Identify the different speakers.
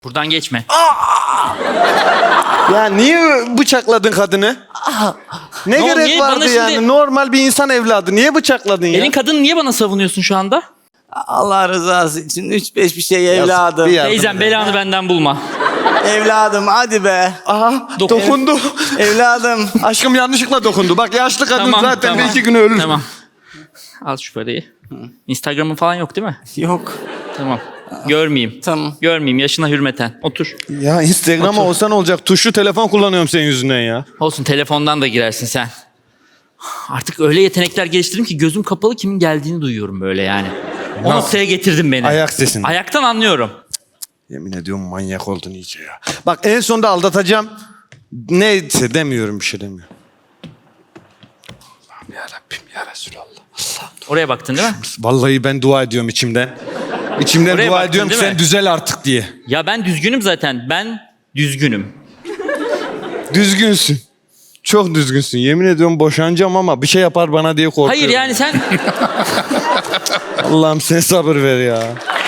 Speaker 1: Buradan geçme.
Speaker 2: Ya niye bıçakladın kadını? Ne
Speaker 1: Ne oldu,
Speaker 2: gerek
Speaker 1: niye?
Speaker 2: vardı
Speaker 1: Bana
Speaker 2: yani?
Speaker 1: şimdi-
Speaker 2: Normal bir insan evladı. Niye bıçakladın ya?
Speaker 1: Elin kadını niye bana savunuyorsun şu anda?
Speaker 3: Allah rızası için 3-5 bir şey evladım.
Speaker 2: bir yardım
Speaker 1: Teyzem belanı benden bulma.
Speaker 3: Evladım hadi be.
Speaker 2: Aha
Speaker 1: Dokun.
Speaker 2: dokundu.
Speaker 3: Evladım.
Speaker 2: Aşkım yanlışlıkla dokundu. Bak yaşlı kadın
Speaker 1: Tamam,
Speaker 2: zaten
Speaker 1: tamam.
Speaker 2: bir iki gün ölür.
Speaker 1: Tamam. Al şu parayı. Instagram'ın falan yok değil mi?
Speaker 3: Yok.
Speaker 1: Tamam. Görmeyeyim.
Speaker 3: Tamam.
Speaker 1: Görmeyeyim yaşına hürmeten. Otur.
Speaker 2: Ya Instagram'a olsa ne olacak? Tuşlu telefon kullanıyorum senin yüzünden ya.
Speaker 1: Olsun telefondan da girersin sen. Artık öyle yetenekler geliştirdim ki gözüm kapalı kimin geldiğini duyuyorum böyle yani. O
Speaker 2: Nasıl?
Speaker 1: noktaya getirdin beni.
Speaker 2: Ayak sesini.
Speaker 1: Ayaktan anlıyorum.
Speaker 2: Yemin ediyorum manyak oldun iyice ya. Bak en sonunda aldatacağım. Neyse demiyorum bir şey demiyorum. Allah'ım yarabbim ya Resulallah.
Speaker 1: Oraya baktın değil mi?
Speaker 2: Vallahi ben dua ediyorum içimden. İçimden
Speaker 1: Oraya
Speaker 2: dua
Speaker 1: baktın,
Speaker 2: ediyorum ki
Speaker 1: değil mi?
Speaker 2: sen düzel artık diye.
Speaker 1: Ya ben düzgünüm zaten. Ben düzgünüm.
Speaker 2: Düzgünsün. Çok düzgünsün. Yemin ediyorum boşanacağım ama bir şey yapar bana diye korkuyorum.
Speaker 1: Hayır yani sen...
Speaker 2: Allah'ım sen sabır ver ya.